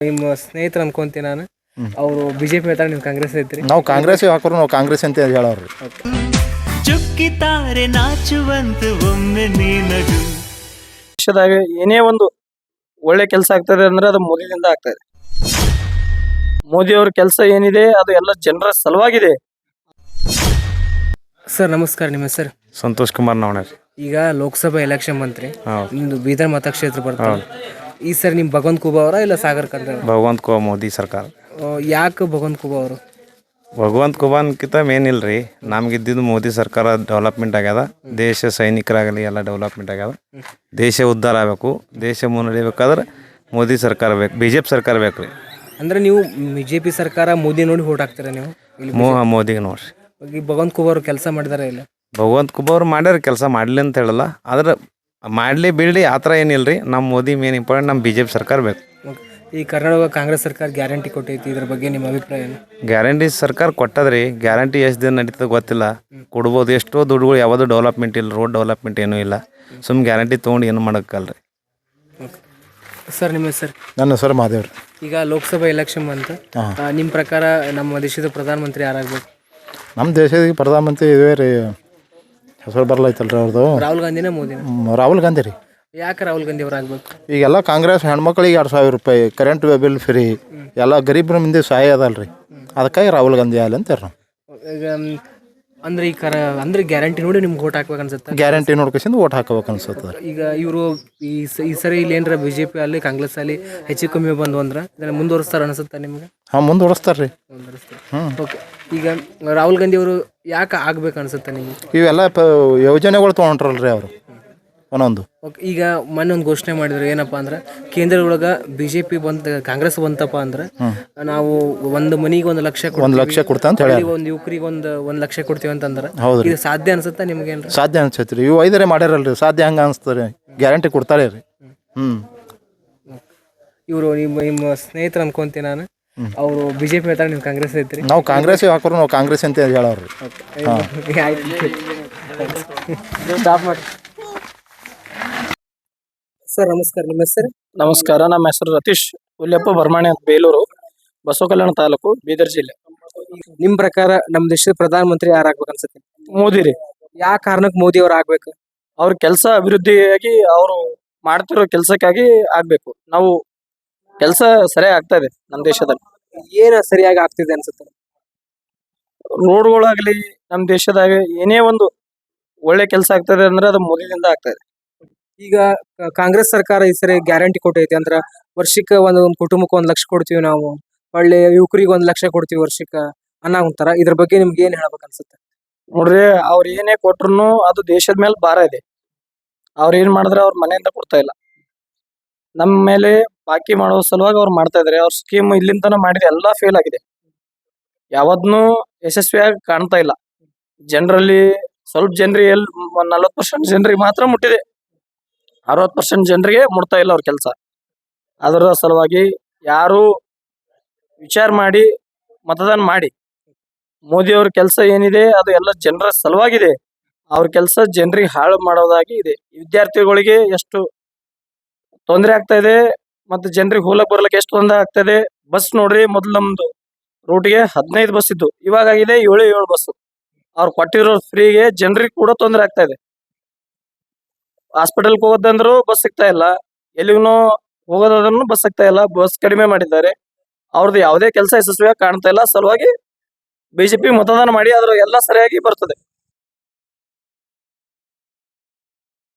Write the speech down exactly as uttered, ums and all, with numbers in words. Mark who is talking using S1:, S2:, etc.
S1: ನಿಮ್ಮ ಸ್ನೇಹಿತರು ಅನ್ಕೊಂತೀನಿ ನಾನು. ಅವರು ಬಿಜೆಪಿ ಹೇಳ್ತಾರೆ, ನೀವು ಕಾಂಗ್ರೆಸ್ ಐತ್ರಿ.
S2: ನಾವು ಕಾಂಗ್ರೆಸ್ ಹಾಕೋರು ನಾವು ಕಾಂಗ್ರೆಸ್ ಅಂತ ಹೇಳೋರು.
S3: ಚುಕ್ಕಿತಾರೆ ನಾಚುವಂತ ಒಮ್ಮೆ ನೀನದು.
S4: ದೇಶದಾಗ ಏನೇ ಒಂದು ಒಳ್ಳೆ ಕೆಲಸ ಆಗ್ತದೆ ಅಂದ್ರೆ ಅದು ಮೋದಿದಿಂದ ಆಗ್ತದೆ. ಮೋದಿ ಅವ್ರ ಕೆಲಸ ಏನಿದೆ ಅದು ಎಲ್ಲ ಜನರ ಸಲುವಾಗಿದೆ.
S1: ಸರ್ ನಮಸ್ಕಾರ, ನಿಮ್ಮ ಹೆಸರು?
S5: ಸಂತೋಷ್ ಕುಮಾರ್ ನವಣೆ.
S1: ಈಗ ಲೋಕಸಭಾ ಎಲೆಕ್ಷನ್ ಬಂತ್ರಿ, ನಿಮ್ದು ಬೀದರ್ ಮತಕ್ಷೇತ್ರ ಬರ್ತಾರೆ. ಈ ಸರಿ ನಿಮ್ ಭಗವಂತ ಖೂಬಾ ಅವರ ಇಲ್ಲ ಸಾಗರ್ ಖಂಡ್ರೆ?
S5: ಭಗವಂತ ಖೂಬಾ ಮೋದಿ ಸರ್ಕಾರ.
S1: ಯಾಕೆ ಭಗವಂತ ಖೂಬಾ ಅವರು?
S5: ಭಗವಂತ ಖೂಬಾನ್ಕಿಂತ ಮೇನ್ ಇಲ್ರಿ, ನಮ್ಗಿದ್ದಿದ್ದು ಮೋದಿ ಸರ್ಕಾರ ಡೆವಲಪ್ಮೆಂಟ್ ಆಗ್ಯದ. ದೇಶ ಸೈನಿಕರಾಗಲಿ ಎಲ್ಲ ಡೆವಲಪ್ಮೆಂಟ್ ಆಗ್ಯದ. ದೇಶ ಉದ್ಧಾರ ಆಗಬೇಕು, ದೇಶ ಮುನ್ನಡಿಬೇಕಾದ್ರೆ ಮೋದಿ ಸರ್ಕಾರ ಬೇಕು, ಬಿ ಜೆ ಪಿ ಸರ್ಕಾರ ಬೇಕು ರೀ.
S1: ಅಂದ್ರೆ ನೀವು ಬಿ ಜೆ ಪಿ ಸರ್ಕಾರ ಮೋದಿ ನೋಡಿ ಓಟ್ ಹಾಕ್ತೀರ ನೀವು?
S5: ಮೋ ಮೋದಿಗೆ ನೋಡ್ರಿ.
S1: ಈ ಭಗವಂತ ಖೂಬಾ ಅವರು ಕೆಲಸ ಮಾಡಿದಾರ ಇಲ್ಲ?
S5: ಭಗವಂತ ಖೂಬಾ ಅವ್ರು ಮಾಡ್ಯಾರ ಕೆಲಸ, ಮಾಡಲಿ ಅಂತ ಹೇಳಲ್ಲ, ಆದ್ರೆ ಮಾಡಲಿ ಬಿಡಲಿ ಆ ಥರ ಏನಿಲ್ಲ ರೀ. ನಮ್ಮ ಮೋದಿ ಮೇನ್ ಇಂಪಾರ್ಟೆಂಟ್, ನಮ್ಮ ಬಿ ಜೆ ಪಿ ಸರ್ಕಾರ ಬೇಕು.
S1: ಈ ಕರ್ನಾಟಕ ಕಾಂಗ್ರೆಸ್ ಸರ್ಕಾರ ಗ್ಯಾರಂಟಿ ಕೊಟ್ಟೈತಿ, ಇದ್ರ ಬಗ್ಗೆ ನಿಮ್ಮ ಅಭಿಪ್ರಾಯ ಏನು?
S5: ಗ್ಯಾರಂಟಿ ಸರ್ಕಾರ ಕೊಟ್ಟದ್ರಿ, ಗ್ಯಾರಂಟಿ ಎಷ್ಟು ದಿನ ನಡೀತದೆ ಗೊತ್ತಿಲ್ಲ. ಕೊಡ್ಬೋದು, ಎಷ್ಟೋ ದುಡ್ಡುಗಳು ಯಾವುದು ಡೆವಲಪ್ಮೆಂಟ್ ಇಲ್ಲ, ರೋಡ್ ಡೆವಲಪ್ಮೆಂಟ್ ಏನೂ ಇಲ್ಲ. ಸುಮ್ಮನೆ ಗ್ಯಾರಂಟಿ ತೊಗೊಂಡು ಏನು ಮಾಡೋಕ್ಕಲ್ರಿ.
S1: ಸರ್ ನಿಮ್ಮ ಹೆಸರು?
S2: ನನ್ನ ಹೆಸರು ಮಾದೇವ್ರಿ.
S1: ಈಗ ಲೋಕಸಭಾ ಎಲೆಕ್ಷನ್ ಬಂತು, ನಿಮ್ಮ ಪ್ರಕಾರ ನಮ್ಮ ದೇಶದ ಪ್ರಧಾನಮಂತ್ರಿ ಯಾರಾಗಬೇಕು?
S2: ನಮ್ಮ ದೇಶದ ಪ್ರಧಾನಮಂತ್ರಿ ಇವೇ ರೀ, ಹೆಸರು ಬರಲೈತಲ್ರಿ ಅವ್ರದ್ದು.
S1: ರಾಹುಲ್ ಗಾಂಧಿನ ಮೋದಿನ?
S2: ರಾಹುಲ್ ಗಾಂಧಿ ರೀ.
S1: ಯಾಕೆ ರಾಹುಲ್ ಗಾಂಧಿ ಅವ್ರು ಆಗ್ಬೇಕು?
S2: ಈಗೆಲ್ಲ ಕಾಂಗ್ರೆಸ್ ಹೆಣ್ಮಕ್ಳಿಗೆ ಎರಡು ಸಾವಿರ ರೂಪಾಯಿ ಕರೆಂಟ್ ಬಿಲ್ ಫ್ರೀ, ಎಲ್ಲ ಗರೀಬ್ರ ಮಂದಿ ಸಹಾಯ ಅದಲ್ರಿ, ಅದಕ್ಕಾಗಿ ರಾಹುಲ್ ಗಾಂಧಿ ಆಗಲಿ ಅಂತಾರೆ ನಾವು.
S1: ಈಗ ಅಂದ್ರೆ ಈ ಕರ ಅಂದ್ರೆ ಗ್ಯಾರಂಟಿ ನೋಡಿ ನಿಮ್ಗೆ ಓಟ್ ಹಾಕ್ಬೇಕು ಅನ್ಸುತ್ತೆ?
S2: ಗ್ಯಾರಂಟಿ ನೋಡ್ಕೊಂಡು ಓಟ್ ಹಾಕಬೇಕು ಅನ್ಸುತ್ತೆ.
S1: ಈಗ ಇವರು ಈ ಈ ಸರಿ ಇಲ್ಲಿ ಏನಾರ ಬಿ ಜೆ ಪಿ ಅಲ್ಲಿ ಕಾಂಗ್ರೆಸ್ ಅಲ್ಲಿ ಹೆಚ್ಚು ಕಮ್ಮಿ ಬಂದು ಅಂದ್ರೆ ಇದನ್ನ ಮುಂದುವರಿಸ್ತಾರೆ ಅನ್ಸುತ್ತೆ ನಿಮ್ಗೆ?
S2: ಹಾಂ, ಮುಂದುವರಿಸ್ತಾರೆ ರೀ.
S1: ಹ್ಞೂ, ಓಕೆ. ಈಗ ರಾಹುಲ್ ಗಾಂಧಿ ಅವರು ಯಾಕೆ ಆಗ್ಬೇಕು ಅನ್ಸುತ್ತೆ ನಿಮ್ಗೆ?
S2: ಇವೆಲ್ಲ ಪ ಯೋಜನೆಗಳು ತೊಗೊಂಡ್ರಲ್ರಿ ಅವರು ಒಂದೊಂದು.
S1: ಓಕೆ. ಈಗ ಮೊನ್ನೆ ಒಂದು ಘೋಷಣೆ ಮಾಡಿದ್ರು, ಏನಪ್ಪಾ ಅಂದ್ರೆ ಕೇಂದ್ರದೊಳಗೆ ಬಿ ಜೆ ಪಿ ಬಂತ, ಕಾಂಗ್ರೆಸ್ ಬಂತಪ್ಪ ಅಂದ್ರೆ ನಾವು ಒಂದು ಮನಿಗೆ ಒಂದು ಲಕ್ಷ
S2: ಒಂದು ಲಕ್ಷ ಕೊಡ್ತಾ ಅಂತ ಹೇಳಿ,
S1: ಒಂದು ಯುವಕರಿಗೆ ಒಂದು ಒಂದು ಲಕ್ಷ ಕೊಡ್ತೀವಿ ಅಂತಂದ್ರೆ
S2: ಹೌದು,
S1: ಇದು ಸಾಧ್ಯ ಅನ್ಸುತ್ತಾ ನಿಮ್ಗೆ? ಏನ್ರಿ
S2: ಸಾಧ್ಯ ಅನ್ಸೈತಿ ರೀ. ಇವು ಐದರೇ ಮಾಡ್ಯಾರಲ್ರಿ, ಸಾಧ್ಯ ಹಂಗೆ ಅನಿಸ್ತಾರೆ, ಗ್ಯಾರಂಟಿ ಕೊಡ್ತಾರೆ ರೀ. ಹ್ಞೂ, ಇವರು
S1: ನಿಮ್ಮ ನಿಮ್ಮ ಸ್ನೇಹಿತರು ಅನ್ಕೊಂತೀನಿ ನಾನು. ಅವರು ಬಿ ಜೆ ಪಿ ಹೇಳ್ತಾರೆ, ನೀವು ಕಾಂಗ್ರೆಸ್ ಐತ್ರಿ.
S2: ನಾವು ಕಾಂಗ್ರೆಸ್ ಹಾಕೋರು ನಾವು ಕಾಂಗ್ರೆಸ್ ಅಂತ ಹೇಳೋರು.
S1: ಸ್ಟಾಪ್ ಮಾಡಿ. ಸರ್ ನಮಸ್ಕಾರ, ನಿಮ್ಮ ಹೆಸರು?
S4: ನಮಸ್ಕಾರ, ನಮ್ಮ ಹೆಸರು ರತೀಶ್ ಹುಲ್ಯಪ್ಪ ಬರ್ಮಾಣಿ ಅಂತ, ಬೇಲೂರು, ಬಸವ ಕಲ್ಯಾಣ ತಾಲೂಕು, ಬೀದರ್ ಜಿಲ್ಲೆ.
S1: ನಿಮ್ ಪ್ರಕಾರ ನಮ್ಮ ದೇಶದ ಪ್ರಧಾನಮಂತ್ರಿ ಯಾರು ಆಗ್ಬೇಕು ಅನ್ಸುತ್ತೆ?
S4: ಮೋದಿ ರೀ.
S1: ಯಾವ ಕಾರಣಕ್ಕೆ ಮೋದಿ ಅವ್ರು ಆಗ್ಬೇಕು?
S4: ಅವ್ರ ಕೆಲಸ ಅಭಿವೃದ್ಧಿಯಾಗಿ ಅವರು ಮಾಡ್ತಿರೋ ಕೆಲಸಕ್ಕಾಗಿ ಆಗ್ಬೇಕು. ನಾವು ಕೆಲಸ ಸರಿಯಾಗಿ ಆಗ್ತಾ ಇದೆ ನಮ್ಮ ದೇಶದಲ್ಲಿ.
S1: ಏನ ಸರಿಯಾಗಿ ಆಗ್ತಿದೆ ಅನ್ಸುತ್ತೆ?
S4: ರೋಡ್ಗಳಾಗ್ಲಿ, ನಮ್ಮ ದೇಶದಾಗ ಏನೇ ಒಂದು ಒಳ್ಳೆ ಕೆಲಸ ಆಗ್ತದೆ ಅಂದ್ರೆ ಅದು ಮೋದಿದಿಂದ ಆಗ್ತಾ ಇದೆ.
S1: ಈಗ ಕಾಂಗ್ರೆಸ್ ಸರ್ಕಾರ ಈ ಸರಿ ಗ್ಯಾರಂಟಿ ಕೊಟ್ಟೈತಿ, ಅಂದ್ರ ವರ್ಷಕ್ಕೆ ಒಂದು ಒಂದು ಕುಟುಂಬಕ್ಕೆ ಒಂದ್ ಲಕ್ಷ ಕೊಡ್ತೀವಿ ನಾವು, ಒಳ್ಳೆ ಯುವಕರಿಗೆ ಒಂದ್ ಲಕ್ಷ ಕೊಡ್ತೀವಿ ವರ್ಷಕ್ಕೆ ಅನ್ನೋಂತಾರ. ಇದ್ರ ಬಗ್ಗೆ ನಿಮ್ಗೆ ಏನ್ ಹೇಳ್ಬೇಕು ಅನ್ಸುತ್ತೆ?
S4: ನೋಡ್ರಿ, ಅವ್ರ ಏನೇ ಕೊಟ್ರು ಅದು ದೇಶದ ಮೇಲೆ ಭಾರ ಇದೆ. ಅವ್ರ ಏನ್ ಮಾಡಿದ್ರೆ ಅವ್ರ ಮನೆಯಿಂದ ಕೊಡ್ತಾ ಇಲ್ಲ, ನಮ್ಮ ಮೇಲೆ ಬಾಕಿ ಮಾಡೋ ಸಲುವಾಗಿ ಅವ್ರು ಮಾಡ್ತಾ ಇದಾರೆ. ಅವ್ರ ಸ್ಕೀಮ್ ಇಲ್ಲಿಂದ ತನ ಮಾಡಿದೆ ಎಲ್ಲ ಫೇಲ್ ಆಗಿದೆ, ಯಾವದ್ನು ಯಶಸ್ವಿಯಾಗಿ ಕಾಣ್ತಾ ಇಲ್ಲ. ಜನರಲ್ಲಿ ಸ್ವಲ್ಪ ಜನರಿಗೆ ಎಲ್ ನಲ್ವತ್ ಪರ್ಸೆಂಟ್ ಜನರಿಗೆ ಮಾತ್ರ ಮುಟ್ಟಿದೆ, ಅರವತ್ ಪರ್ಸೆಂಟ್ ಜನರಿಗೆ ಮುಟ್ತಾ ಇಲ್ಲ ಅವ್ರ ಕೆಲಸ. ಅದರ ಸಲುವಾಗಿ ಯಾರು ವಿಚಾರ ಮಾಡಿ ಮತದಾನ ಮಾಡಿ. ಮೋದಿ ಅವ್ರ ಕೆಲಸ ಏನಿದೆ ಅದು ಎಲ್ಲ ಜನರ ಸಲುವಾಗಿದೆ. ಅವ್ರ ಕೆಲಸ ಜನರಿಗೆ ಹಾಳು ಮಾಡೋದಾಗಿ ಇದೆ. ವಿದ್ಯಾರ್ಥಿಗಳಿಗೆ ಎಷ್ಟು ತೊಂದರೆ ಆಗ್ತಾ ಇದೆ, ಮತ್ತೆ ಜನರಿಗೆ ಹೋಲಕ್ ಬರ್ಲಕ್ಕೆ ಎಷ್ಟು ತೊಂದರೆ ಆಗ್ತಾ ಇದೆ. ಬಸ್ ನೋಡ್ರಿ, ಮೊದ್ಲು ನಮ್ದು ರೂಟ್ಗೆ ಹದಿನೈದು ಬಸ್ ಇದ್ದು, ಇವಾಗ ಆಗಿದೆ ಏಳು ಏಳು ಬಸ್. ಅವ್ರು ಕೊಟ್ಟಿರೋ ಫ್ರೀಗೆ ಜನರಿಗೆ ಕೂಡ ತೊಂದರೆ ಆಗ್ತಾ ಇದೆ. ಹಾಸ್ಪಿಟಲ್ಗೆ ಹೋಗೋದಂದ್ರು ಬಸ್ ಸಿಗ್ತಾ ಇಲ್ಲ, ಎಲ್ಲಿಗೂ ಹೋಗೋದಾದ್ರೂ ಬಸ್ ಸಿಗ್ತಾ ಇಲ್ಲ. ಬಸ್ ಕಡಿಮೆ ಮಾಡಿದ್ದಾರೆ. ಅವ್ರದ್ದು ಯಾವುದೇ ಕೆಲಸ ಯಶಸ್ವಿಯಾಗಿ ಕಾಣ್ತಾ ಇಲ್ಲ. ಸಲುವಾಗಿ ಬಿಜೆಪಿ ಮತದಾನ ಮಾಡಿ, ಅದ್ರ ಎಲ್ಲ ಸರಿಯಾಗಿ ಬರ್ತದೆ.